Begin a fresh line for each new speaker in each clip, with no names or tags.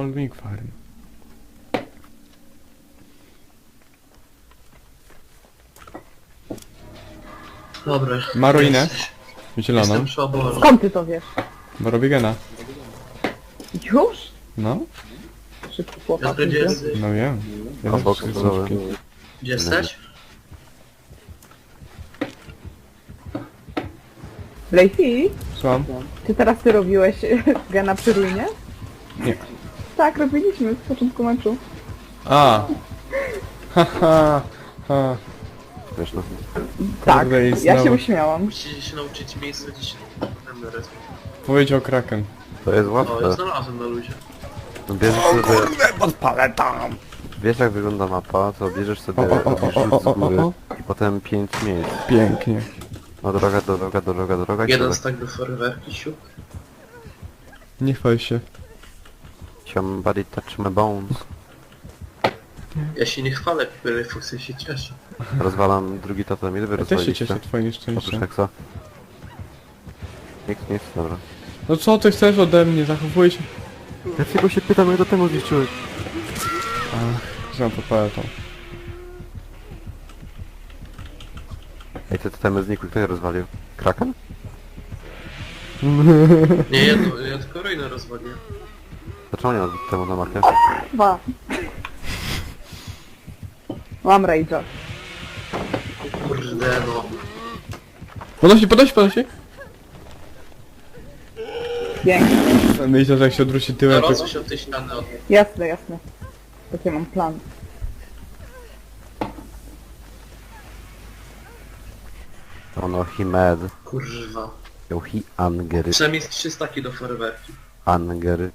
Smallwing Farm.
Dobra.
Ma ruinę?
Jesteś.
Zieloną.
Jestem przy oborze.
Skąd ty to wiesz?
Bo robię gena.
Już?
No?
Szybko
Piotr,
chłopak.
gdzie
idzie.
jesteś?
No wiem.
A boks
wszystkie
gotowy.
słupki.
Gdzie jesteś?
Lacey,
Słucham?
czy teraz ty robiłeś gena przy ruinie?
Nie.
Tak, robiliśmy z początku meczu.
A! Haha! Ha.
Wiesz, no.
Tak,
Kurde, i
ja się
znowu.
uśmiałam.
Musicie się nauczyć miejsca, gdzie się emeryt.
Powiedział Kraken.
To jest
O, ja
łatwe.
znalazłem na luzie.
No bierzesz sobie...
Podpalę tam!
Wiesz jak wygląda mapa, to bierzesz sobie robisz rzut z góry i potem 5 miejsc.
Pięknie.
No droga i
Jeden
tyle.
stack do foreverki, siup.
Nie chwal się.
Somebody touch my bones.
Ja się nie chwalę, Fuxy się cieszę.
Rozwalam drugi totem. Ile wy
Ja też się
rozwaliliście?
cieszę twoim
Oprócz
szczęściem.
Hexa. Nic, dobra.
No co ty chcesz ode mnie? Zachowuj się.
Ja tylko się pytam, jak do temu zniszczyłeś.
Ach, znam podpalę tą.
Ej, te totemy znikły, kto je rozwalił? Kraken?
Nie, ja tylko ruinę rozwaliłem.
Dlaczego nie ma temu na mapie?
Dwa. Mam rage'a.
Kurde no.
Podnosi!
Pięknie.
Myślę, że jak się odwróci tyłem, to...
Rozwój się od tej ściany od...
Jasne, jasne. Taki mam plan.
Oh no, he mad.
Kurwa.
Yo, he angry.
Przynajmniej z 3 staki do foreverki.
Angry.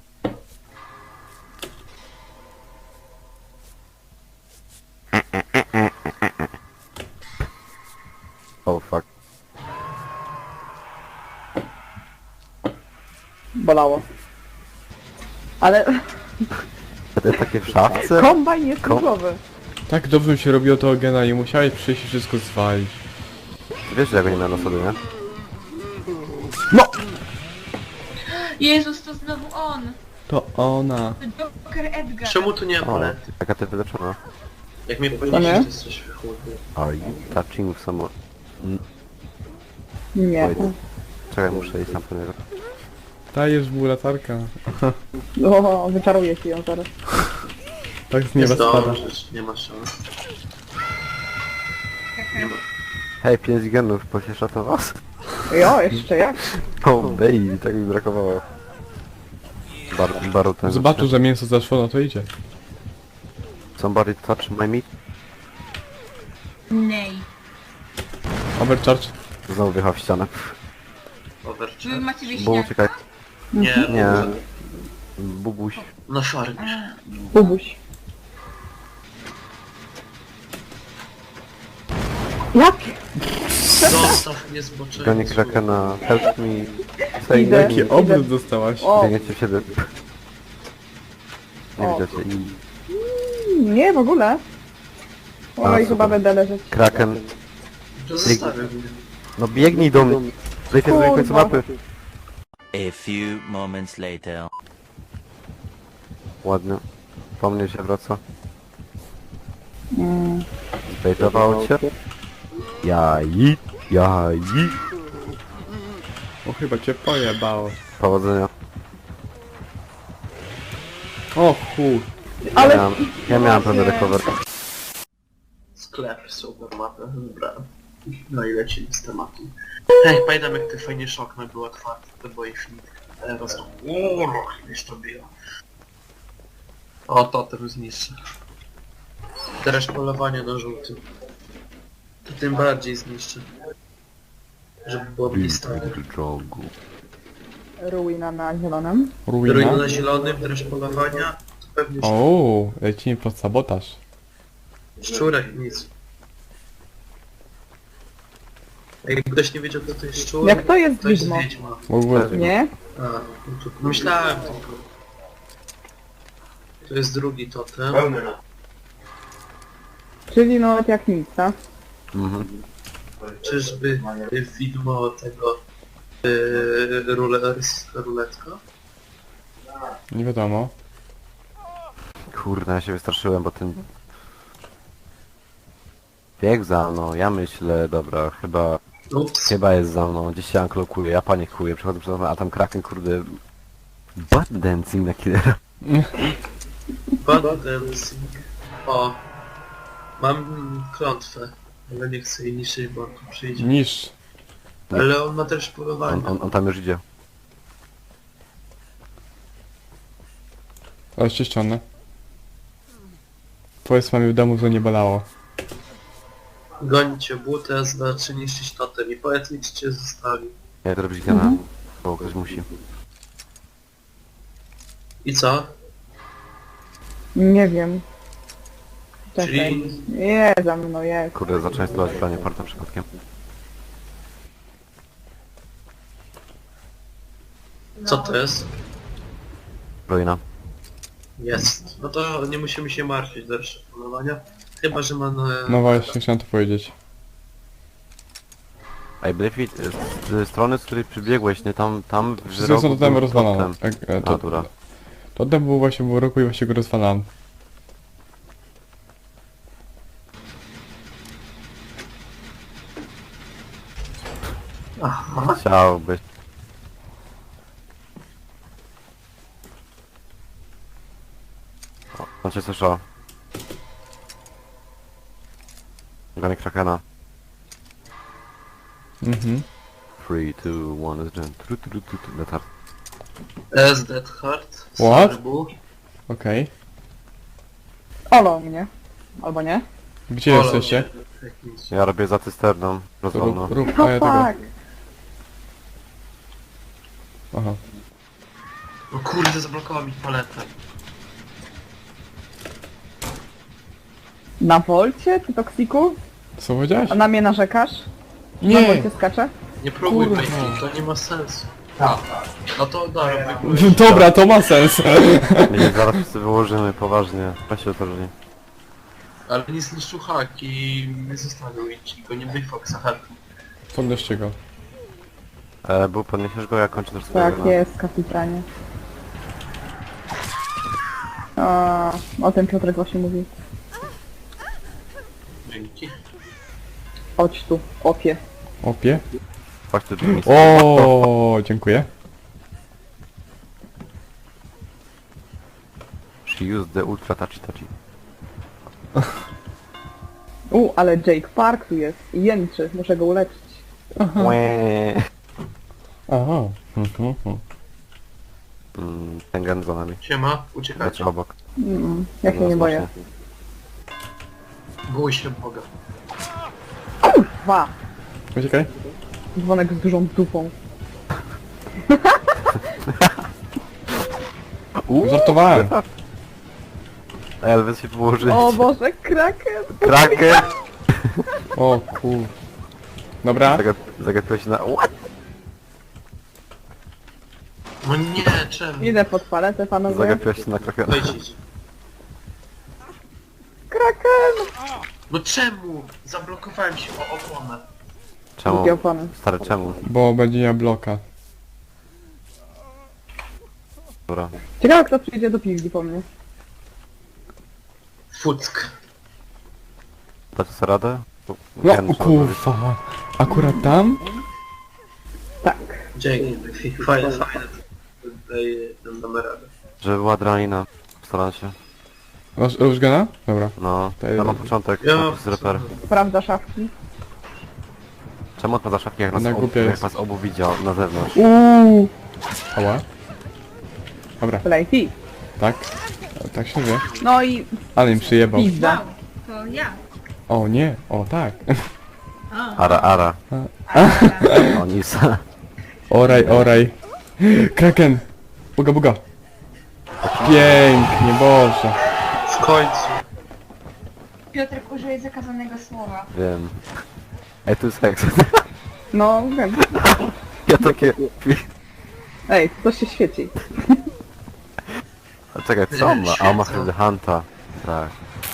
Oh fuck.
Bolało. Ale
Te takie w szafce?
kombajn jest różowy.
Tak dobrze mi się robiło tego gena i musiałeś przyjść i wszystko zwalić.
Wiesz, że ja go nie miałem na sobie, nie?
No!
Jezus, to znowu on!
To ona.
To Joker Edgar.
Czemu tu nie ma
O,
palety?
jaka ty wyleczona.
Jak mnie
nie?
podniesiesz, to jesteś wychłodny.
Are you touching someone?
Nie.
Wait. Czekaj, muszę iść sam po niego.
Dajesz mu latarka.
O, wyczaruję ci ją zaraz.
Tak z nieba
Jest
spada.
dobrze, nie ma szans. Nie ma.
Hej, 5 genów, pociesza to was?
Jo, jeszcze jak?
Oh baby, tak mi brakowało. Baru ten...
Zobaczył, że mięso zaszło, no to idzie.
Somebody touch my meat?
Nej.
Overcharge.
Znowu wjechał w ścianę.
Overcharge.
Wy macie
Bo
wieśniaka.
uciekaj.
Nie,
Nie.
no,
Bubuś.
na farmie.
Bubuś. Jak?
Zostaw mnie zboczenie.
Goni Krakena. Help me. Say
Idę.
me.
Jaki obrót dostałaś.
O,
Biegniecie w siebie. Nie
O.
widzicie. I
nie w ogóle.
A,
Oj,
super.
chyba będę leżeć.
Kraken.
To zostawię mnie.
No biegnij do mnie. Zejdę do końca
Kurwa.
mapy.
A few moments later.
Ładnie. Po mnie się wraca.
Mm.
Zbejtował cię. Jaj.
O, chyba cię pojebało.
Powodzenia.
O chuj.
Ale...
Ja miałem pewne recover.
Sklep, super mapę, wybrałem. No i lecimy z tematu. Ej, pamiętam jak ty fajnie szokno był otwarty, to było infinitka. Teraz to... Już to było. O, totem zniszczę. Teraz polowanie na żółtym. To tym bardziej zniszczę. Żeby było blisko.
Jogu.
Ruina na zielonym.
Ruina
Ruina.
na zielonym, też polowania. To pewnie
O, lecimy pod sabotaż.
szczurek, nic. Jakby ktoś nie wiedział, kto to jest szczur,
Jak to jest
to jest
widmo?
wiedźma.
W ogóle.
Nie?
A, no to myślałem tylko. To jest drugi totem.
Czyli no jak nic, tak?
Mhm.
Czyżby widmo tego ruletka?
Nie wiadomo.
Kurde, ja się wystraszyłem, bo ten... Bieg za mną, ja myślę, dobra,
Ups.
chyba jest za mną, gdzieś się anklokuje, ja panikuję, przechodzę przed mną, a tam Kraken, kurde... Butt dancing na killera.
Bad dancing. O. Mam klątwę. Ale nie chcę jej niszczyć, bo on tu przyjdzie.
Niż.
Ale on ma też polowanie.
On tam już idzie.
Ale się ściągnę. Powiedz mamie w domu, że nie bolało.
Gońcie butę, znaczy niszczyć totem i powiedz mi, czy cię zostawi.
Ja to robić gana, bo ktoś musi.
I co?
Nie wiem. Czekaj.
Czyli
Je, za mną jest.
Kurde, zacząłem stosować branie parta przypadkiem.
co to jest?
Ruina.
Jest. No to nie musimy się martwić do reszty polowania. Chyba, że ma na...
No właśnie, chciałem to powiedzieć.
Ej, Blyfit, z strony, z której przybiegłeś, nie tam w
Wszystko są
rogu
totem
był
rozwalone.
totem. Natura.
Totem był właśnie w roku i właśnie go rozwalałem.
Aha.
Chciałbyś. O, on cię słyszał. Gany Krakena.
Mhm.
3, 2, 1, is done. Letar.
S Dead Heart.
What?
Serbu.
Okej.
Olo mnie. Albo nie?
Gdzie
Polo
jesteście?
mnie. Jakiś.
Ja robię za cysterną. Rozwalną.
Rób,
O
a ja tego.
tak.
Aha.
No kurde, zablokował mi paletę.
Na Wolcie, ty toksiku?
Co powiedziałeś?
A na mnie narzekasz? Na
Nie!
Wolcie skacze?
Nie próbuj
Kurwa.
Bejki, to nie ma sensu. No to dobra,
Dobra, to ma sens.
My zaraz wszyscy wyłożymy, poważnie. Weź się otworzyli.
Ale nie zniszczył hak i nie zostawił i go nie wyfok za hakiem.
Podnoście go.
Był podniesiesz go, ja kończę też
Tak
swojego.
jest, kapitanie. A, o tym Piotrek właśnie mówi.
Dzięki.
Chodź tu, opie.
Opie.
Chodź tu drzwi.
O, dziękuję.
She used the ultra touchy touchy.
Ale Jake Park tu jest i jęczy, muszę go uleczyć.
Łeee.
Aha.
Ten gen za nami.
Siema, uciekajcie.
Znaczy obok.
Ja się nie boję.
Właśnie.
Bój się Boga.
Dwa.
Uciekaj.
Dzwonek z dużą dupą.
Żartowałem.
Ej, ale wy się położyć.
O Boże, Kraken!
Kraken!
O kur... Dobra.
Zagapiłeś się na... What?
No nie, czemu?
Idę pod paletę, panowie.
Zagapiłeś się na Krakena.
Wejdź.
Kraken!
No czemu? Zablokowałem się o oponę.
Czemu?
Drugie opony.
Stary, czemu?
Bo będzie miał bloka.
Dobra.
Ciekawe kto przyjdzie do piwni po mnie.
Fuck.
Dacie sobie radę? Bo
No
gen trzeba zrobić.
kurwa. Akurat tam?
Tak.
Dzięki, fajne, fajne. Tutaj damy radę.
Żeby była adrenalina. Postaram się.
Masz różgana? Dobra.
No,
To jest-
ja mam początek.
Ja-
To jest reper.
Sprawdza szafki.
Czemu odpada szafki jak nas,
Ona głupia
jak
jest.
nas obu widział na zewnątrz?
Ała. Dobra,
Lejfi.
tak. Tak się wie.
No i
Ale im przyjebał.
pizda.
Wow, to ja.
O nie, o tak.
O,
Ara, ara.
a,
O, Nisa.
Oraj. Kraken. Buga. Pięknie, Boże.
W końcu.
Piotrek użyje zakazanego słowa.
Wiem. Ej, tu jest heks.
No wiem.
Ja takie...
Ej, coś się świeci.
A czekaj, co on ma? A on ma wtedy Hunta. Tak.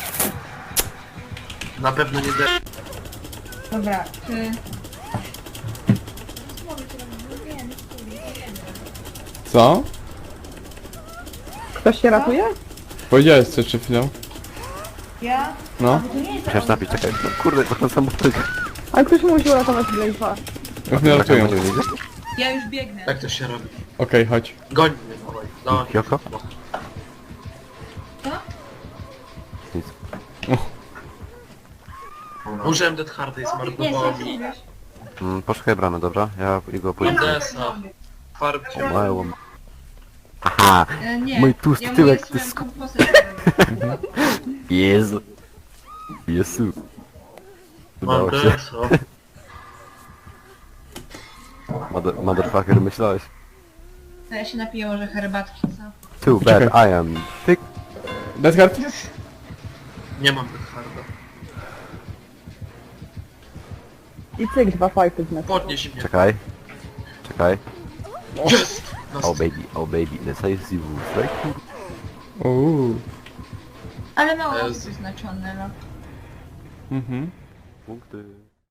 Na pewno nie da...
Dobra, czy...
Co?
Ktoś się ratuje?
Powiedziałeś co przed chwilą?
Ja?
No.
To nie jest
Musisz napić, czekaj. No kurde, to ten sam butelkę.
Ale ktoś musi uratować Blaze'a.
Jak mnie ratują.
Ja już biegnę.
Jak to się robi?
Okej, chodź.
Goń mnie, dawaj. Dawaj.
Kyoko?
Co?
Nic.
Użyłem Dead Harda i
Nie,
zmarnowało
co
mi
mówisz?
Poszukaj bramy, dobra? Ja go pójdę.
Desa. Farbcie.
Małą. Aha!
Nie.
Mój tłusty
ja mu
tyłek,
jestem
ty sku-
kompozytor.
Jezu. Jezu.
Mam
Udało się.
Desa.
Motherfucker, myślałeś.
To ja się napiję może herbatki, co?
Too bad I am thick.
Death Guard?
Nie mam Dead Harda.
I cyk, 2 fighty w net.
Podnieś mnie.
Czekaj. Czekaj.
Jest!
Oh baby, decisive strike.
Uuu.
Ale mało
Jezu.
osób znaczone, no.
Mhm.
Punkty.